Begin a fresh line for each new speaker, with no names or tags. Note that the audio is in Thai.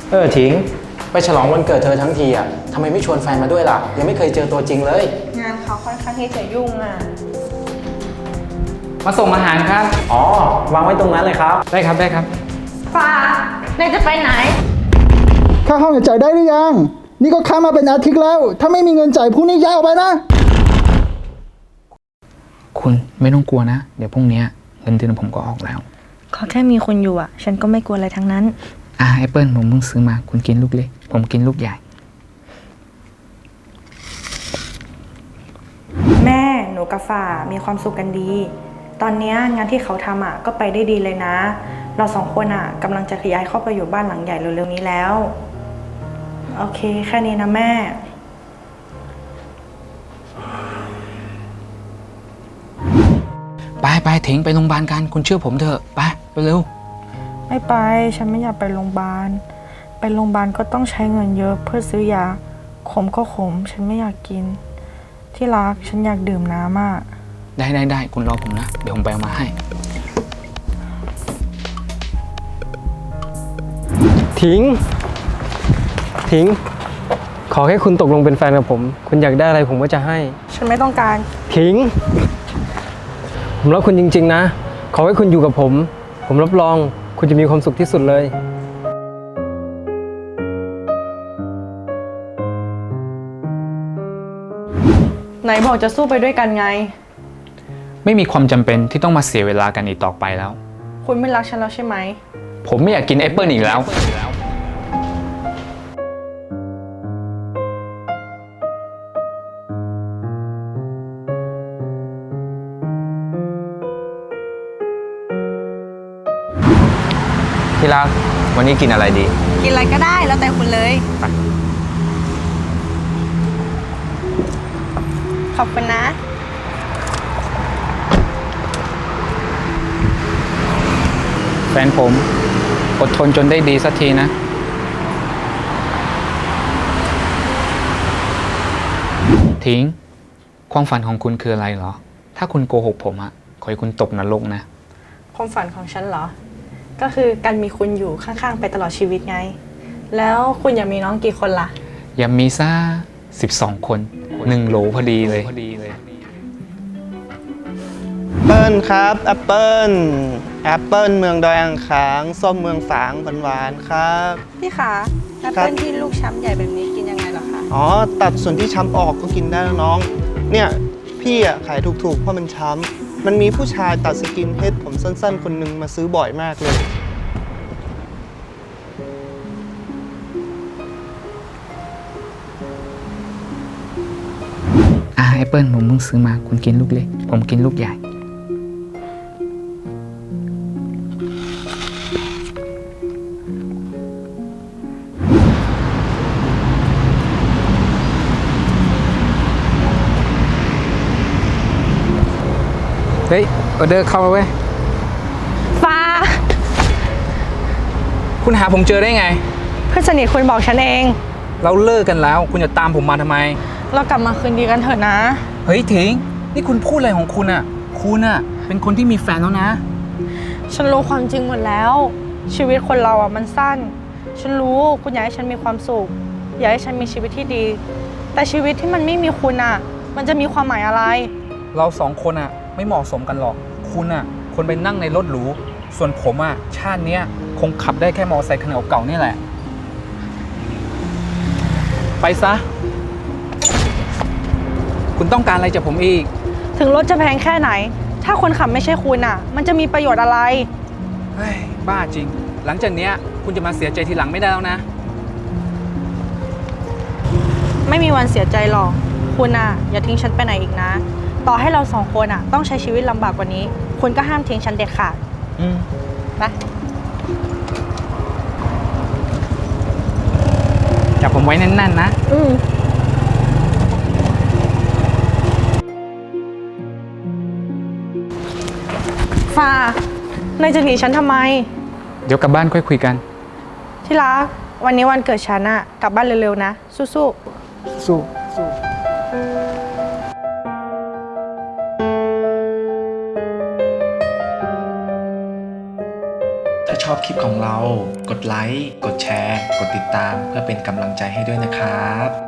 ถิงไปฉลองวันเกิดเธอทั้งทีอ่ะทำไมไม่ชวนแฟนมาด้วยล่ะยังไม่เคยเจอตัวจริงเลย
งานเขาค่อนข้างที่จะยุ่งอ่ะ
มาส่งอาหารครับ
อ๋อวางไว้ตรงนั้นเลยครับ
ได้ครับได้ครับ
ฟ้านายจะไปไหน
ค่าห้องจ่ายได้หรือยังนี่ก็ค้างมาเป็นอาทิตย์แล้วถ้าไม่มีเงินจ่ายพรุ่งนี้ย้ายออกไปนะ
คุณไม่ต้องกลัวนะเดี๋ยวพรุ่งนี้เงินเดือนผมก็ออกแล้ว
ขอแค่มีคนอยู่อ่ะฉันก็ไม่กลัวอะไรทั้งนั้น
แอปเปิลผมเพิ่งซื้อมาคุณกินลูกเล็กผมกินลูกใหญ่
แม่หนูกับฝ่ามีความสุขกันดีตอนนี้งานที่เขาทำอ่ะก็ไปได้ดีเลยนะเราสองคนอ่ะกำลังจะย้ายเข้าไปอยู่บ้านหลังใหญ่เร็วๆนี้แล้วโอเคแค่นี้นะแม่
ไปทิ้งไปโรงพยาบาลกันคุณเชื่อผมเถอะไปเร็ว
ไม่ไปฉันไม่อยากไปโรงพยาบาลไปโรงพยาบาลก็ต้องใช้เงินเยอะเพื่อซื้อยาขมก็ขมฉันไม่อยากกินที่รักฉันอยากดื่มน้ำอ่ะ
ได้คุณรอผมนะเดี๋ยวผมไปเอามาให้
ทิ้งขอแค่คุณตกลงเป็นแฟนกับผมคุณอยากได้อะไรผมก็จะให้
ฉันไม่ต้องการ
ทิ้งผมรักคุณจริงๆนะขอให้คุณอยู่กับผมรับรองคุณจะมีความสุขที่สุดเลย
ไหนบอกจะสู้ไปด้วยกันไง
ไม่มีความจำเป็นที่ต้องมาเสียเวลากันอีกต่อไปแล้ว
คุณไม่รักฉันแล้วใช่ไหม
ผมไม่อยากกินแอปเปิลอีกแล้วที่รักวันนี้กินอะไรดี
กินอะไรก็ได้แล้วแต่คุณเลยขอบคุณนะ
แฟนผมอดทนจนได้ดีสักทีนะทิ้งความฝันของคุณคืออะไรเหรอถ้าคุณโกหกผมอะขอให้คุณตกนรกนะ
ความฝันของฉันเหรอก็คือการมีคุณอยู่ข้างๆไปตลอดชีวิตไงแล้วคุณอยากมีน้องกี่คนล่ะ
อยากมีซ่า12 คน1 โหลพอดีเลย
เปิ้ลครับแอปเปิ้ลเมืองดอยอ่างขางส้มเมืองฝางหวานๆครับ
พี่คะแอปเปิ้ลที่ลูกช้ำใหญ่แบบนี้กินยังไงเหรอคะ
อ๋อตัดส่วนที่ช้ำออกก็กินได้แล้วน้องเนี่ยพี่อ่ะขายถูกๆเพราะมันช้ำมันมีผู้ชายตัดสกินเฮดผมสั้นๆคนหนึ่งมาซื้อบ่อยมากเลย
แอปเปิลผมเพิ่งซื้อมาคุณกินลูกเล็กผมกินลูกใหญ่เฮ้ยออเดอร์เข้าแล้วเว้ย
ฟ้า
คุณหาผมเจอได้ไง
เพื่อนสนิทคุณบอกฉันเอง
เราเลิกกันแล้วคุณจะตามผมมาทำไม
เรากลับมาคืนดีกันเถอะนะ
เฮ้ยถิงนี่คุณพูดอะไรของคุณอ่ะคุณอ่ะเป็นคนที่มีแฟนแล้วนะ
ฉันรู้ความจริงหมดแล้วชีวิตคนเราอ่ะมันสั้นฉันรู้คุณอยากให้ฉันมีความสุขอยากให้ฉันมีชีวิตที่ดีแต่ชีวิตที่มันไม่มีคุณอ่ะมันจะมีความหมายอะไร
เรา2 คนอ่ะไม่เหมาะสมกันหรอกคุณอ่ะคนไปนั่งในรถหรูส่วนผมอ่ะชาติเนี้ยคงขับได้แค่มอเตอร์ไซค์คันเก่าๆนี่แหละไปซะคุณต้องการอะไรจากผมอีก
ถึงรถจะแพงแค่ไหนถ้าคนขับไม่ใช่คุณอ่ะมันจะมีประโยชน์อะไร
เฮ้ยบ้าจริงหลังจากเนี้ยคุณจะมาเสียใจทีหลังไม่ได้แล้วนะ
ไม่มีวันเสียใจหรอกคุณอ่ะอย่าทิ้งฉันไปไหนอีกนะต่อให้เรา2 คนอ่ะต้องใช้ชีวิตลำบากกว่านี้คุณก็ห้ามทิ้งฉันเด็ดขาดไป
จับผมไว้แน่นๆนะ
ฟ้านายจะหนีฉันทำไม
เดี๋ยวกลับบ้านค่อยคุยกัน
ที่รักวันนี้วันเกิดฉันอะกลับบ้านเร็วๆนะสู้
าชอบคลิปของเรา กดไลค์ กดแชร์ กดติดตามเพื่อเป็นกำลังใจให้ด้วยนะครับ